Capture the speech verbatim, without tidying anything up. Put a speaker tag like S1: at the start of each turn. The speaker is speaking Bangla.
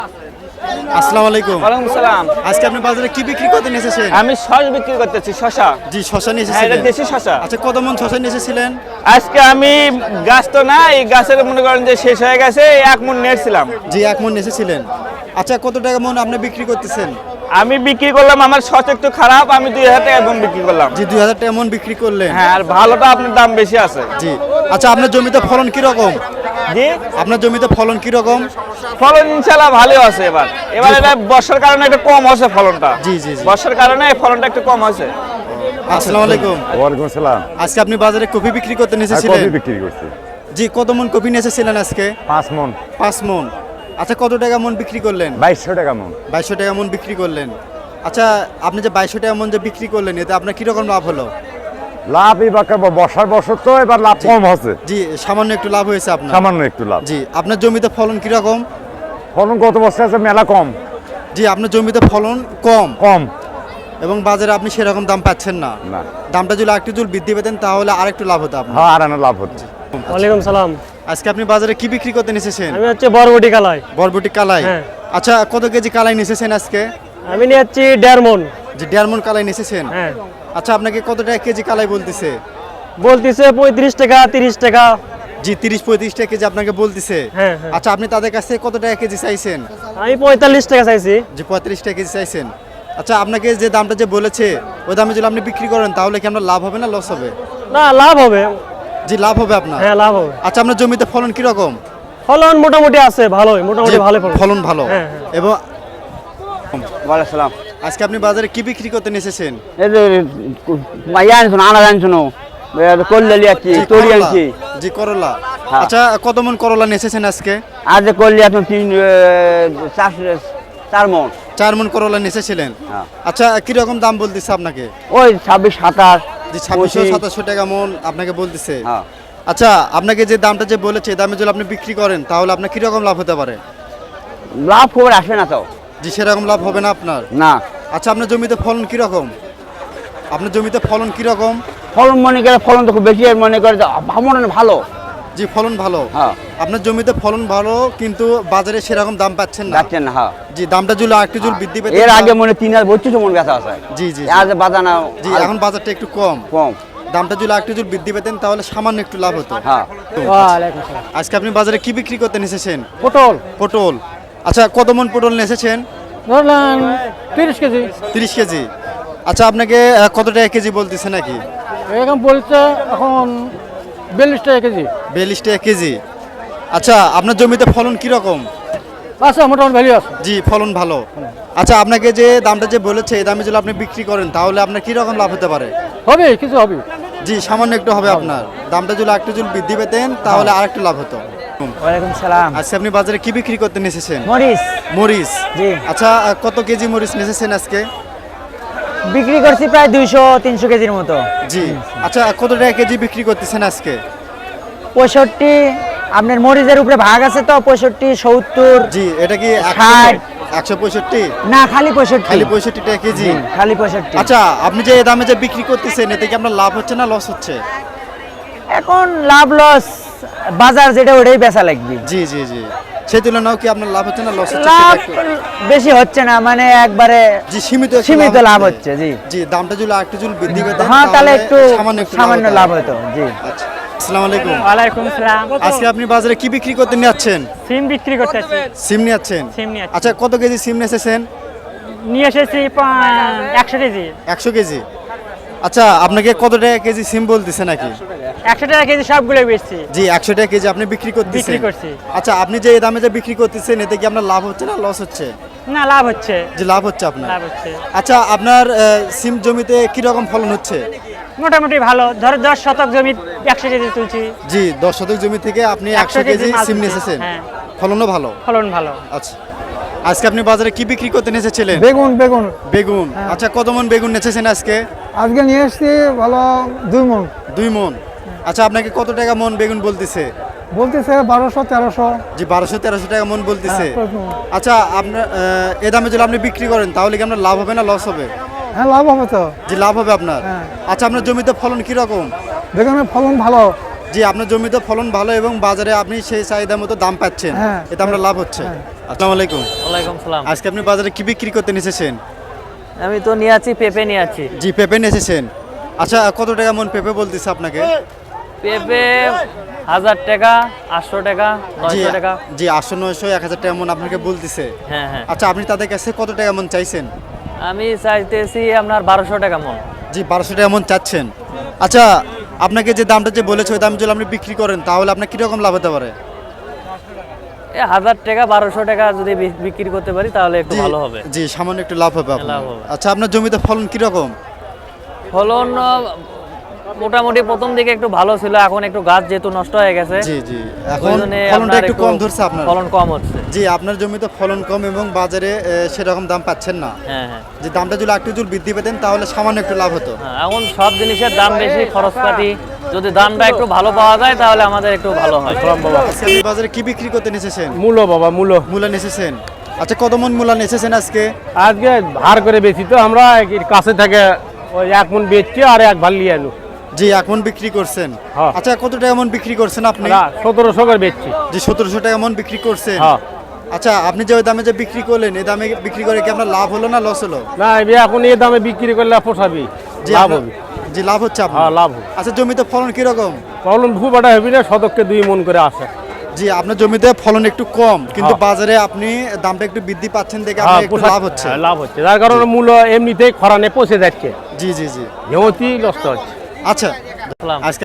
S1: আসসালামু আলাইকুম।
S2: ওয়ালাইকুম সালাম।
S1: আজকে আপনি বাজারে কি বিক্রি করতে এসেছেন?
S2: আমি শস বিক্রি করতেছি, শসা।
S1: জি, শসা নিয়ে
S2: হ্যাঁ, এটা
S1: এসেছিলেন।
S2: দেশি শসা।
S1: আচ্ছা, কত মন শসা নিয়ে এসেছিলেন?
S2: আজকে আমি গাছ তো না, এই গাছের মনে করেন যে শেষ হয়ে গেছে, এক মন নিয়েছিলাম।
S1: জি, এক মন নিয়ে এসেছিলেন। আচ্ছা, কত টাকা মন আপনি বিক্রি করতেছেন?
S2: আমি বিক্রি করলাম, আমার শস একটু খারাপ, আমি দুই হাজার টাকা মন বিক্রি করলাম।
S1: জি, দুই হাজার টাকা মন বিক্রি করলেন।
S2: হ্যাঁ, আর ভালোটা আপনার দাম বেশি আছে।
S1: জি। আচ্ছা, আপনার জমিতে ফলন কি রকম?
S2: জি,
S1: আপনার জমিতে ফলন কি রকম?
S2: ফলন ইনশাআল্লাহ ভালো আছে এবার। এবার এটা বর্ষার কারণে একটু কম হচ্ছে ফলনটা।
S1: জি, জি, জি।
S2: বর্ষার কারণে ফলনটা একটু কম হচ্ছে।
S1: আসসালামু আলাইকুম।
S3: ওয়ালাইকুম আসসালাম।
S1: আজকে আপনি বাজারে কফি বিক্রি করতে
S3: আর
S1: এসেছিলেন?
S3: কফি বিক্রি করছি
S1: জি, কত মন কফি নিয়ে এসেছিলেন আজকে?
S3: পাঁচ মন।
S1: পাঁচ মন। আচ্ছা, কত টাকা মন বিক্রি করলেন?
S3: বাইশশো টাকা মন।
S1: বাইশশো টাকা মন বিক্রি করলেন। আচ্ছা, আপনি যে বাইশশো টাকা মন যে বিক্রি করলেন, এতে আপনার কিরকম লাভ হলো?
S3: লাভ এবার বর্ষার বছর তো এবার লাভ কম হচ্ছে।
S1: জি, সামান্য একটু লাভ হয়েছে আপনার।
S3: সামান্য একটু লাভ।
S1: জি, আপনার জমিতে ফলন কিরকম?
S3: ফলন গত বছর আছে মেলা কম।
S1: জি, আপনার জমিতে ফলন কম
S3: কম
S1: এবং বাজারে আপনি সেরকম দাম পাচ্ছেন না।
S3: না।
S1: দামটা যদি আরেকটু জল বৃদ্ধি পেতেন তাহলে আরেকটু লাভ হতো আপনার।
S3: হ্যাঁ, আর আনা লাভ হচ্ছে।
S4: ওয়ালাইকুম সালাম।
S1: আজকে আপনি বাজারে কি বিক্রি করতে এসেছেন?
S4: আমি হচ্ছে বরবটি কালাই।
S1: বরবটি কালাই।
S4: হ্যাঁ।
S1: আচ্ছা, কত কেজি কালাই এসেছেন আজকে?
S4: আমি নিয়ে যাচ্ছি দেড় মন।
S1: যে দেড় মন কালাই এসেছেন।
S4: হ্যাঁ,
S1: আচ্ছা, আপনাকে কত টাকা কেজি কালাই বলতেছে?
S4: বলতেছে পঁয়ত্রিশ টাকা তিরিশ টাকা।
S1: জি, তিরিশ পঁয়ত্রিশ টাকা কেজি আপনাকে বলতেছে।
S4: হ্যাঁ, হ্যাঁ।
S1: আচ্ছা, আপনি তাদের কাছ থেকে কত টাকা কেজি চাইছেন?
S4: আমি পঁয়তাল্লিশ টাকা চাইছি।
S1: যে পঁয়ত্রিশ টাকা কেজি চাইছেন। আচ্ছা, আপনাকে যে দামটা যে বলেছে ওই দামে যদি আপনি বিক্রি করেন তাহলে কি আপনার লাভ হবে না লস হবে?
S4: না, লাভ হবে।
S1: জি, লাভ হবে আপনার।
S4: হ্যাঁ, লাভ হবে।
S1: আচ্ছা, আপনার জমিতে ফলন কি রকম?
S4: ফলন মোটামুটি আছে, ভালোই, মোটামুটি
S1: যে
S4: ভালো ফলন।
S1: ফলন ভালো।
S4: হ্যাঁ, হ্যাঁ।
S1: এবং
S5: ওয়ালাইকুম সালাম।
S1: আজকে আপনি বাজারে কি বিক্রি করতে এসেছেন?
S5: এই যে মাইয়া আনছো না, আনাজ আনছো না, কল্যালি আছি,
S1: জি,
S5: তরি
S1: করলা।
S5: আনছি।
S1: জি, করলা।
S5: হ্যাঁ।
S1: আচ্ছা, কত মন করলা এসেছেন আজকে?
S5: আজ কল্লি এখন তিন এ, চার চার মন।
S1: চার মন করলা এসেছিলেন।
S5: হ্যাঁ।
S1: আচ্ছা, কি রকম দাম বলতেছে আপনাকে?
S5: ওই ছাব্বিশ সাতাশ।
S1: যে ছাব্বিশশো
S5: পঁচিশ।
S1: সাতাশশো টাকা মন আপনাকে বলতেছে।
S5: হ্যাঁ।
S1: আচ্ছা, আপনাকে যে দামটা যে বলেছে এই দামে যদি আপনি বিক্রি করেন তাহলে আপনার কিরকম লাভ হতে পারে?
S5: লাভ খবর আসে না তো।
S1: জি, সেরকম লাভ হবে না আপনার।
S5: না,
S1: আচ্ছা, আপনার জমিতে ফলন কি রকম? আপনার জমিতে ফলন কি রকম?
S5: ফলন মনে করে ফলন তো খুব বেশি, আর মনে করে যে ভাবনা ভালো।
S1: জি, ফলন ভালো।
S5: হ্যাঁ।
S1: আপনার জমিতে ফলন ভালো কিন্তু বাজারে সেরকম দাম পাচ্ছেন না।
S5: যাচ্ছেন না। হ্যাঁ।
S1: জি, দামটা যদি আরেকটু জল বৃদ্ধি পেতে
S5: এর আগে মনে তিন হাজার বত্রিশ মন বেচা আছে।
S1: জি, জি, জি।
S5: আজ বাজানা
S1: জি, এখন বাজারটা একটু কম।
S5: কম।
S1: দামটা যদি আরেকটু জল বৃদ্ধি পেতেন তাহলে সামান্য একটু লাভ হতো।
S5: হ্যাঁ।
S4: ওয়ালাইকুম সালাম।
S1: আজকে আপনি বাজারে কি বিক্রি করতে এসেছেন?
S4: পটল
S1: পটল। আচ্ছা, কত মন পটল নিয়ে এসেছেন?
S4: ধরলাম তিরিশ কেজি।
S1: তিরিশ কেজি। আচ্ছা, আপনাকে আহ, কত টাকা কেজি বলতেছে নাকি?
S4: এখন বলছে এখন বিয়াল্লিশ টাকা কেজি।
S1: বিয়াল্লিশ টাকা কেজি। আচ্ছা, আপনার জমিতে ফলন কি রকম?
S4: আচ্ছা, মোটামুটি ভ্যালু আছে।
S1: জি, ফলন ভালো। আচ্ছা, আপনাকে যে দামটা যে বলেছে এই দামে যদি আপনি বিক্রি করেন তাহলে আপনার কি রকম লাভ হতে পারে?
S4: হবে, কিছু হবে।
S1: জি, সামান্য একটু হবে আপনার। দামটা যদি আরেকটু যদি বৃদ্ধি পেতেন তাহলে আরেকটু লাভ হতো।
S5: ওয়ালাইকুম সালাম।
S1: আজকে আপনি বাজারে কি বিক্রি করতে এসেছেন?
S5: মরিচ
S1: মরিচ।
S5: জি।
S1: আচ্ছা, আহ, কত কেজি মরিচ এসেছেন আজকে?
S5: বিক্রি করছি প্রায় দুইশো তিনশো কেজির মতো।
S1: জি। আচ্ছা, কত টাকা কেজি বিক্রি করতেছেন আজকে?
S5: পঁয়ষট্টি। আপনার মরিচের উপরে ভাগ আছে তো, পঁয়ষট্টি সত্তর।
S1: জি, এটা কি
S5: ষাট।
S1: একশো পঁয়ষট্টি?
S5: না, খালি পঁয়ষট্টি।
S1: খালি পঁয়ষট্টি টাকা কেজি?
S5: খালি পঁয়ষট্টি।
S1: আচ্ছা, আপনি যে এই দামে যে বিক্রি করতেছেন এতে কি আপনার লাভ হচ্ছে না লস হচ্ছে?
S5: এখন লাভ লস বাজার যেটা ওটাই বেচা লাগবে।
S1: জি, জি, জি। সেই তুলনাও কি আপনার লাভ হচ্ছে না লস হচ্ছে?
S5: লাভ
S1: সেটা একটু-
S5: বেশি হচ্ছে না, মানে একবারে
S1: জি, সীমিত একটু
S5: সীমিত লাভ হচ্ছে। জি।
S1: জি, দামটা যদি আরেকটু যদি বৃদ্ধি পেতেন
S5: হ্যাঁ, তাহলে একটু
S1: সামান্য একটু
S5: সামান্য লাভ হতো। জি।
S1: আচ্ছা, আসসালামু আলাইকুম।
S4: ওয়ালাইকুম সালাম।
S1: আজকে আপনি বাজারে কি বিক্রি করতে যাচ্ছেন?
S4: সিম বিক্রি করতেছি।
S1: সিম নিয়ে যাচ্ছেন?
S4: সিম নিয়ে যাচ্ছি।
S1: আচ্ছা, কত কেজি সিম নিয়ে এসেছেন?
S4: নিয়ে এসেছি একশো কেজি।
S1: একশো কেজি। আচ্ছা, আপনাকে কত টাকা কেজি সিম বলতেছে নাকি?
S4: একশো টাকা কেজি সবগুলো বেচছি।
S1: জি, একশো টাকা কেজি আপনি বিক্রি করতেছেন?
S4: বিক্রি করছি।
S1: আচ্ছা, আপনি যে এই দামে যে বিক্রি করতেছেন এতে কি আপনার লাভ হচ্ছে না লস হচ্ছে?
S4: না, লাভ হচ্ছে।
S1: জি, লাভ হচ্ছে আপনার।
S4: লাভ হচ্ছে
S1: আচ্ছা, আপনার আহ, সিম জমিতে কি রকম ফলন হচ্ছে?
S4: মোটামুটি ভালো। ধরো দশ শতক জমি একশো কেজি তুলছি।
S1: জি, দশ শতক জমি থেকে আপনি একশো কেজি
S4: মাল
S1: সিম নিয়ে
S4: তুলছি।
S1: এসেছেন।
S4: হ্যাঁ।
S1: ফলনও ভালো।
S4: ফলন ভালো।
S1: আচ্ছা, আজকে আপনি বাজারে কি বিক্রি করতে এসেছিলেন?
S6: বেগুন বেগুন
S1: বেগুন। আচ্ছা, কত মন বেগুন এসেছেন আজকে?
S6: আজকে নিয়ে এসছি ভালো দুই মন।
S1: দুই মন। আচ্ছা, আপনাকে কত টাকা মন বেগুন বলতেছে?
S6: বলতেছে বারোশো তেরোশো।
S1: জি, বারোশো তেরোশো টাকা মন বলতেছে।
S6: হ্যাঁ, প্রথম।
S1: আচ্ছা, আপনার আহ, এ দামে যদি আপনি বিক্রি করেন তাহলে কি আপনার লাভ হবে না লস হবে?
S6: হ্যাঁ, লাভ হবে তো।
S1: জি, লাভ হবে আপনার।
S6: হ্যাঁ।
S1: আচ্ছা, আপনার জমিতে ফলন কি রকম?
S6: বেগুনের ফলন ভালো।
S1: জি আপনার জমিতে ফলন ভালো এবং বাজারে আপনি সেই চাহিদা মতো দাম পাচ্ছেন,
S6: হ্যাঁ।
S1: এতে আমরা লাভ হচ্ছে। আসসালামু আলাইকুম।
S7: ওয়ালাইকুম সালাম।
S1: আজকে আপনি বাজারে কি বিক্রি করতে এসেছেন?
S7: আমি তো নিয়ে আছি পেঁপে নিয়ে আছি।
S1: জি পেঁপে এসেছেন। আচ্ছা কত টাকা মন পেঁপে বলতেছে আপনাকে?
S7: পেঁপে হাজার টাকা, আটশো টাকা,
S1: জি
S7: নয়শো টাকা।
S1: জি আটশো নয়শো এক হাজার টাকা মন আপনাকে বলতেছে।
S7: হ্যাঁ হ্যাঁ।
S1: আচ্ছা আপনি তাদের কাছে কত টাকা মন চাইছেন?
S7: আমি চাইতেছি আপনার বারোশো টাকা মন।
S1: জি বারোশো টাকা মন চাচ্ছেন। আচ্ছা আপনাকে যে দামটা যে বলেছে ওই দাম যদি আপনি বিক্রি করেন তাহলে আপনার কীরকম লাভ হতে পারে?
S7: এ হাজার টাকা বারোশো টাকা যদি বি- বিক্রি করতে পারি তাহলে একটু
S1: জি,
S7: ভালো হবে।
S1: জি সামান্য একটু লাভ হবে আপনার।
S7: লাভ হবে।
S1: আচ্ছা আপনার জমিতে ফলন কীরকম?
S7: ফলন আহ, মোটামুটি প্রথম দিকে একটু ভালো ছিল, এখন একটু গাছ যেহেতু নষ্ট হয়ে গেছে
S1: জি জি
S7: ওই
S1: এখন
S7: জন্যে
S1: ফলনটা
S7: আপনার
S1: একটু কম ধরছে আপনার।
S7: ফলন কম হচ্ছে।
S1: জি আপনার জমিতে ফলন কম এবং বাজারে এ, সেরকম দাম পাচ্ছেন না।
S7: হ্যাঁ হ্যাঁ
S1: যে দামটা যদি একটু জোর বৃদ্ধি পেতেন তাহলে সামান্য একটু লাভ হতো।
S7: হ্যাঁ, এখন সব জিনিসের দাম বেশি, খরচপাতি, যদি দামটা একটু ভালো পাওয়া যায় তাহলে আমাদের একটু ভালো হয়।
S1: আজকে আপনি বাজারে কি বিক্রি করতে এসেছেন?
S3: মূলো বাবা মূলো
S1: মূলা এসেছেন। আচ্ছা কত মন মূলা এসেছেন আজকে?
S3: আজকে ভার করে বেশি তো আমরা এর কাছে থেকে ওই এক মন বেচছি আর এক ভাল লিয়ে আনু।
S1: জি এক মন বিক্রি করছেন।
S3: হ্যাঁ।
S1: আচ্ছা কত টাকা মন বিক্রি করছেন আপনি?
S3: সতেরোশো করে বেচছি।
S1: জি সতেরোশো টাকা মন বিক্রি করছেন।
S3: হ্যাঁ।
S1: আচ্ছা আপনি যে ওই দামে যে বিক্রি করলেন এই দামে বিক্রি করে কি আপনার লাভ হলো না লস হলো?
S3: না এবার এখন এই দামে বিক্রি করলে পোষাবি,
S1: জি
S3: লাভ
S1: আপনার-
S3: হবে।
S1: জি লাভ হচ্ছে আপনার।
S3: হ্যাঁ লাভ হবে।
S1: আচ্ছা জমিতে ফলন কিরকম?
S3: ফলন খুব একটা হবে না, শতককে দুই মন করে আসে।
S1: জি আপনার জমিতে ফলন একটু কম কিন্তু
S3: হ্যাঁ।
S1: বাজারে আপনি দামটা একটু বৃদ্ধি পাচ্ছেন দেখে
S3: হ্যাঁ,
S1: আপনার একটু
S3: পোষা-
S1: লাভ হচ্ছে।
S3: হ্যাঁ, লাভ হচ্ছে, যার কারণে মূল্য এমনিতেই খরানে পচে যাচ্ছে,
S1: জি জি জি
S3: হেমতি নষ্ট হচ্ছে।
S1: আচ্ছা
S7: সালাম।
S1: আজকে